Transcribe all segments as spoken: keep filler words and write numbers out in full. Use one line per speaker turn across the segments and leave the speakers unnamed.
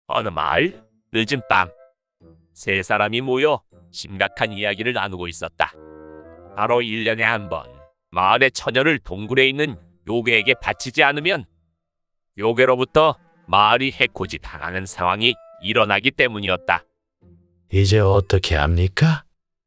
어느 마을 늦은 밤, 세 사람이 모여 심각한 이야기를 나누고 있었다. 바로 일 년에 한 번 마을의 처녀를 동굴에 있는 요괴에게 바치지 않으면 요괴로부터 마을이 해코지 당하는 상황이 일어나기 때문이었다.
이제 어떻게 합니까?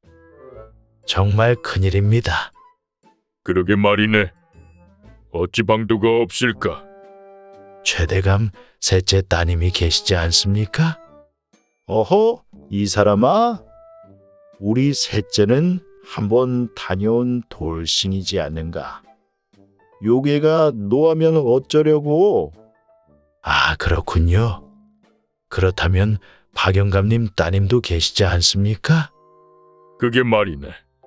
정말 큰일입니다.
그러게 말이네. 어찌 방도가 없을까?
최대감 셋째 따님이 계시지 않습니까?
어허, 이 사람아. 우리 셋째는 한번 다녀온 돌싱이지 않는가? 요괴가 노하면 어쩌려고?
아, 그렇군요. 그렇다면 박영감님 따님도 계시지 않습니까?
그게 말이네.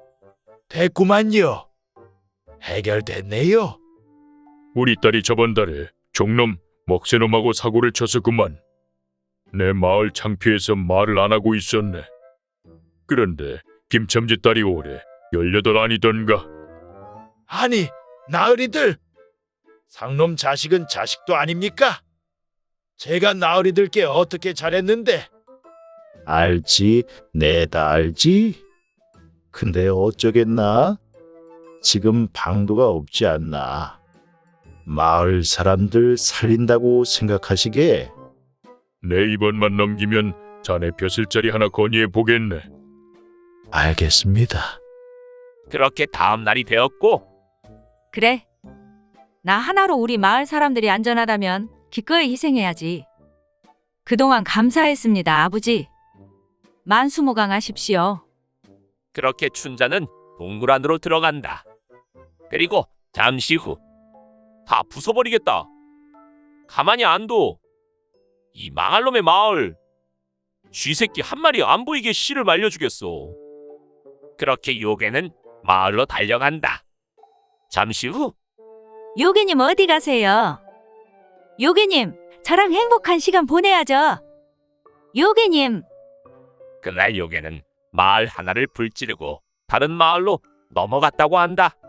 됐구만요. 해결됐네요.
우리 딸이 저번 달에 종놈 먹새놈하고 사고를 쳐서 그만. 내 마을 창피해서 말을 안 하고 있었네. 그런데 김첨지 딸이 올해 열여덟 아니던가.
아니, 나으리들! 상놈 자식은 자식도 아닙니까? 제가 나으리들께 어떻게 잘했는데?
알지, 내다 알지. 근데 어쩌겠나? 지금 방도가 없지 않나. 마을 사람들 살린다고 생각하시게.
내 이번만 넘기면 자네 벼슬자리 하나 건의해 보겠네.
알겠습니다.
그렇게 다음 날이 되었고,
그래. 나 하나로 우리 마을 사람들이 안전하다면 기꺼이 희생해야지. 그동안 감사했습니다, 아버지. 만수무강하십시오.
그렇게 춘자는 동굴 안으로 들어간다. 그리고 잠시 후, 다 부숴버리겠다. 가만히 안 둬. 이 망할 놈의 마을. 쥐새끼 한 마리 안 보이게 씨를 말려주겠어. 그렇게 요괴는 마을로 달려간다. 잠시 후,
요괴님 어디 가세요? 요괴님, 저랑 행복한 시간 보내야죠. 요괴님.
그날 요괴는 마을 하나를 불지르고 다른 마을로 넘어갔다고 한다.